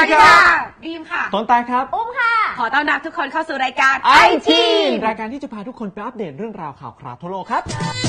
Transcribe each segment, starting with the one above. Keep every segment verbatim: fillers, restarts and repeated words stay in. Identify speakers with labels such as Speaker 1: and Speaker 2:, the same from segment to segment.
Speaker 1: วัสดีค่ะ
Speaker 2: บีมค่ะ
Speaker 1: ต้นตายครับ
Speaker 3: อุ้มค่ะ
Speaker 2: ขอต้อนรับทุกคนเข้าสู่รายการ
Speaker 1: ไอ ที รายการที่จะพาทุกคนไปอัปเดตเรื่องราวข่าวคราวทั่วโลกครับ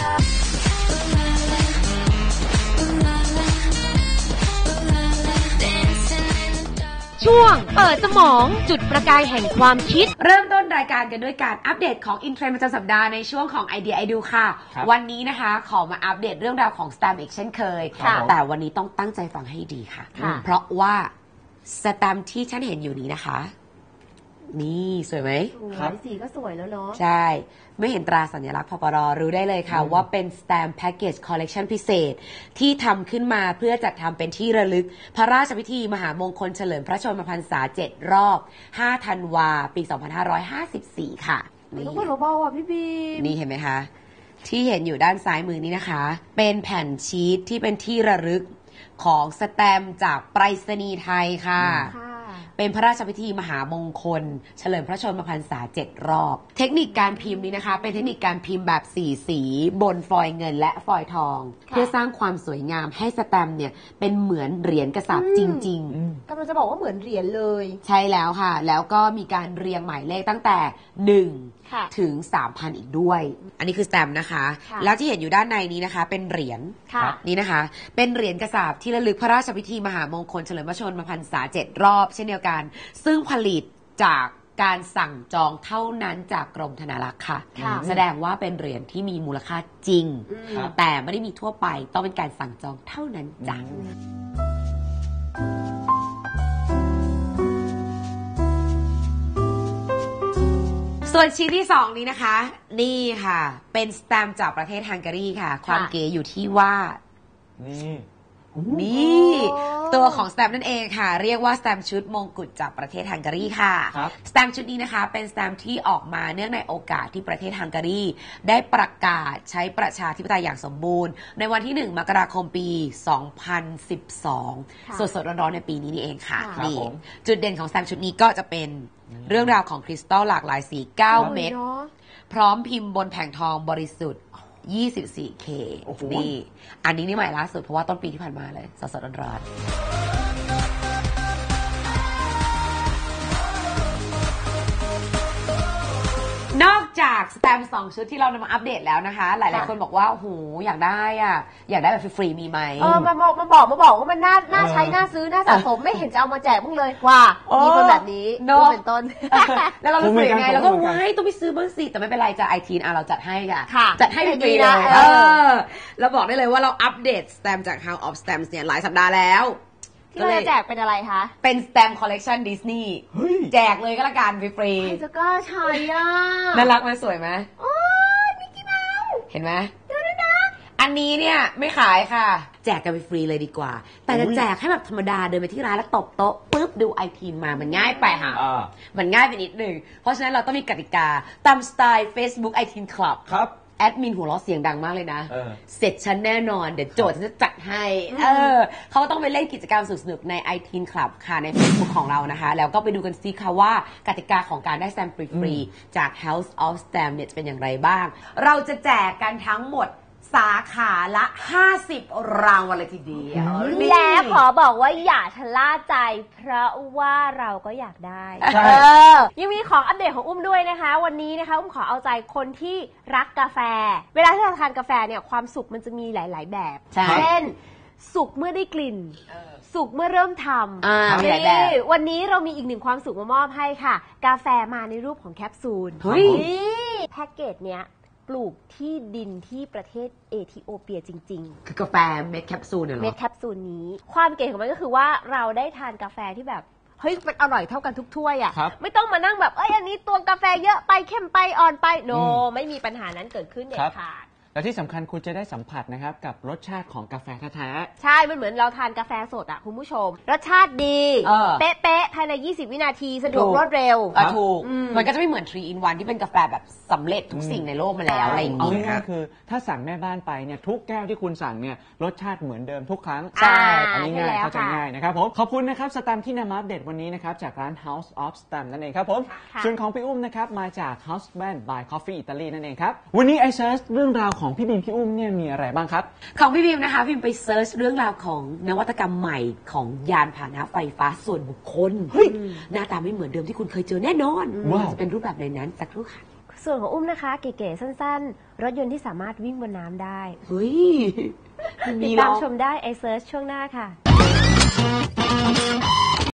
Speaker 3: ช่วงเปิดสมองจุดประกายแห่งความคิด
Speaker 2: เริ่มต้นรายการกันด้วยการอัปเดตของอินเทรนด์ประจำสัปดาห์ในช่วงของไอเดียไอดูค่ะวันนี้นะคะขอมาอัปเดตเรื่องราวของ Stamp อีกเช่นเคยแต่วันนี้ต้องตั้งใจฟังให้ดีค่ะเพราะว่าสแตมป์ที่ฉันเห็นอยู่นี้นะคะนี่สวยไหม
Speaker 3: ครับสีก็สวยแล้วเนาะ
Speaker 2: ใช่ไม่เห็นตราสัญลักษณ์พปร.รู้ได้เลยค่ะว่าเป็น Stamp Package Collection พิเศษที่ทำขึ้นมาเพื่อจัดทำเป็นที่ระลึกพระราชพิธีมหามงคลเฉลิมพระชนมพรรษาเจ็ดรอบห้าธันวาปี สองพันห้าร้อยห้าสิบสี่ ค่ะ
Speaker 3: นี่ต้องเบาๆอ่ะพี่บีม
Speaker 2: นี่เห็นไหมคะที่เห็นอยู่ด้านซ้ายมือนี้นะคะเป็นแผ่นชีทที่เป็นที่ระลึกของสแตมป์จากไปรษณีย์ไทยค่ะเป็นพระราชพิธีมหามงคลเฉลิมพระชนมพรรษาเจ็ดรอบเทคนิคการพิมพ์นี้นะคะเป็นเทคนิคการพิมพ์แบบสีสีบนฟอยล์เงินและฟอยล์ทองเพื่อสร้างความสวยงามให้สแตมป์เนี่ยเป็นเหมือนเหรียญกระสาบจริง
Speaker 3: ๆกำลังจะบอกว่าเหมือนเหรียญเลย
Speaker 2: ใช่แล้วค่ะแล้วก็มีการเรียงหมายเลขตั้งแต่หนึ่งถึง สามพัน อีกด้วยอันนี้คือสแตมป์นะคะแล้วที่เห็นอยู่ด้านในนี้นะคะเป็นเหรียญนี่นะคะเป็นเหรียญกระสาบที่ระลึกพระราชพิธีมหามงคลเฉลิมพระชนมพรรษาเจ็ดรอบเช่นเดียวกันซึ่งผลิตจากการสั่งจองเท่านั้นจากกรมธนารักษ์ค่ะแสดงว่าเป็นเหรียญที่มีมูลค่าจริงแต่ไม่ได้มีทั่วไปต้องเป็นการสั่งจองเท่านั้นจ้ะส่วนชิ้นที่สองนี้นะคะนี่ค่ะเป็นสแตมป์จากประเทศฮังการีค่ะความเก๋อยู่ที่ว่า
Speaker 1: นี่
Speaker 2: นี่ตัวของสแตมป์นั่นเองค่ะเรียกว่าสแตมป์ชุดมงกุฎจากประเทศฮังการีค่ะสแตมป์ชุดนี้นะคะเป็นสแตมป์ที่ออกมาเนื่องในโอกาสที่ประเทศฮังการีได้ประกาศใช้ประชาธิปไตยอย่างสมบูรณ์ในวันที่หนึ่งมกราคมปีสองพันสิบสองสดๆร้อนๆในปีนี้นี่เองค่ะนี่จุดเด่นของสแตมป์ชุดนี้ก็จะเป็นเรื่องราวของคริสตัลหลากหลายสีเก้าเม็ดพร้อมพิมพ์บนแผงทองบริสุทธิ์ยี่สิบสี่เค นี่อันนี้นี่ใหม่ล่าสุดเพราะว่าต้นปีที่ผ่านมาเลยสดๆร้อนๆนอกจากสแตมป์สองชุดที่เรานำมาอัปเดตแล้วนะคะหลายๆคนบอกว่าโอ้โหอยากได้อ่ะอยากได้แบบฟรีๆมีไหม
Speaker 3: เออมาบอกมาบอกมาบอกว่ามันน่าน่าใช้น่าซื้อน่าสะสมไม่เห็นจะเอามาแจกมึงเลยว่ามีคนแบบนี้ก็เป็นต้น
Speaker 2: แล้วเรารู้สึกยังไงเราก็ว้ายต้องไปซื้อบ้างสิแต่ไม่เป็นไรจ้ะไอทีนอ่ะเราจัดให้ค่ะจัดให้ฟรีเลยเออเราบอกได้เลยว่าเราอัปเดตสแตมป์จาก House of Stamps เนี่ยหลายสัปดาห์แล้ว
Speaker 3: ที่เราจะแจกเป็นอะไรคะ
Speaker 2: เป็นสแตมป์คอลเลกชันดิสนีย์แจกเลยก็แล้วกันฟรี
Speaker 3: ๆใครจะกล้าใช้อ่ะ
Speaker 2: น่ารักไหมสวยไหม
Speaker 3: โอ้ยมิกกี้เมาส์
Speaker 2: เห็นไหมอันนี้เนี่ยไม่ขายค่ะแจกกันไปฟรีเลยดีกว่าแต่จะแจกให้แบบธรรมดาเดินไปที่ร้านแล้วตบโต๊ะปุ๊บดูไอทีนมามันง่ายไปค่ะมันง่ายไปนิดนึงเพราะฉะนั้นเราต้องมีกติกาตามสไตล์ Facebook ไอทีน Club
Speaker 1: ครับ
Speaker 2: แอดมินหัวเราะเสียงดังมากเลยนะเสร็จฉันแน่นอนเดี๋ยวโจทย์ฉันจะจัดให้เออเขาต้องไปเล่นกิจกรรมสนุกๆใน ไอ ที เอ็น Club ค่ะใน Facebook ของเรานะคะแล้วก็ไปดูกันซิค่ะว่ากติกาของการได้สแตมป์ฟรีๆจาก House of Stamp เนี่ยจะเป็นอย่างไรบ้างเราจะแจกกันทั้งหมดสาขาละห้าสิบรางวัลเลยทีเดียว
Speaker 3: และขอบอกว่าอย่าชะล่าใจเพราะว่าเราก็อยากได้ยังมีของอัปเดตของอุ้มด้วยนะคะวันนี้นะคะอุ้มขอเอาใจคนที่รักกาแฟเวลาที่เราทานกาแฟเนี่ยความสุขมันจะมีหลายๆแบบเช่นสุขเมื่อได้กลิ่นสุขเมื่อเริ่มทำนี่วันนี้เรามีอีกหนึ่งความสุขมามอบให้ค่ะกาแฟมาในรูปของแคปซูลนี่แพ็กเกจเนี้ยปลูกที่ดินที่ประเทศเอธิโอเปียจริง
Speaker 2: ๆคือกาแฟเม็ดแคปซูลเนี่ยหรอ
Speaker 3: เม็ดแคปซูลนี้ความเก๋ของมันก็คือว่าเราได้ทานกาแฟที่แบบเฮ้ยมันอร่อยเท่ากันทุกถ้วยอ่ะไม่ต้องมานั่งแบบเอ้ยอันนี้ตัวกาแฟเยอะไปเข้มไปอ่อนไปโนไม่มีปัญหานั้นเกิดขึ้นเด็ดขาด
Speaker 1: และที่สำคัญคุณจะได้สัมผัสนะครับกับรสชาติของกาแฟแท้
Speaker 3: ๆใช่มันเหมือนเราทานกาแฟสดอ่ะคุณผู้ชมรสชาติดีเป๊ะๆภายในยี่สิบวินาทีสะดวกรวดเร็ว
Speaker 2: ถูกมันก็จะไม่เหมือนทรี อิน วัน ที่เป็นกาแฟแบบสำเร็จทุกสิ่งในโลกมาแล้วอะไรอย่าง
Speaker 1: นี้ง่ายๆคือถ้าสั่งแม่บ้านไปเนี่ยทุกแก้วที่คุณสั่งเนี่ยรสชาติเหมือนเดิมทุกครั้ง
Speaker 3: ใช่
Speaker 1: อันนี้ง่ายเข้าใจง่ายนะครับผมขอบคุณนะครับสแตมป์ที่นำมาอัปเดตวันนี้นะครับจากร้าน House of Stamp นั่นเองครับผมส่วนของพี่อุ้มนะครับมาจาก House Band by Coffee Italy นั่นเองครับวันนี้ไอเซิร์ชเรื่องราวของพี่บีมพี่อุ้มเนี่ยมีอะไรบ้างครับ
Speaker 2: ของพี่บีมนะคะพิมไปเซิร์ชเรื่องราวของนวัตกรรมใหม่ของยานพาหนะไฟฟ้าส่วนบุคคลหน้าตาไม่เหมือนเดิมที่คุณเคยเจอแน่นอนจะเป็นรูปแบบในนั้นสักครู่ค่ะ
Speaker 3: ส่วนของอุ้มนะคะเก๋ๆสั้นๆรถยนต์ที่สามารถวิ่งบนน้ำได้
Speaker 2: เฮ้ย
Speaker 3: ติดตามชมได้ไอเซิร์ชช่วงหน้าค่ะ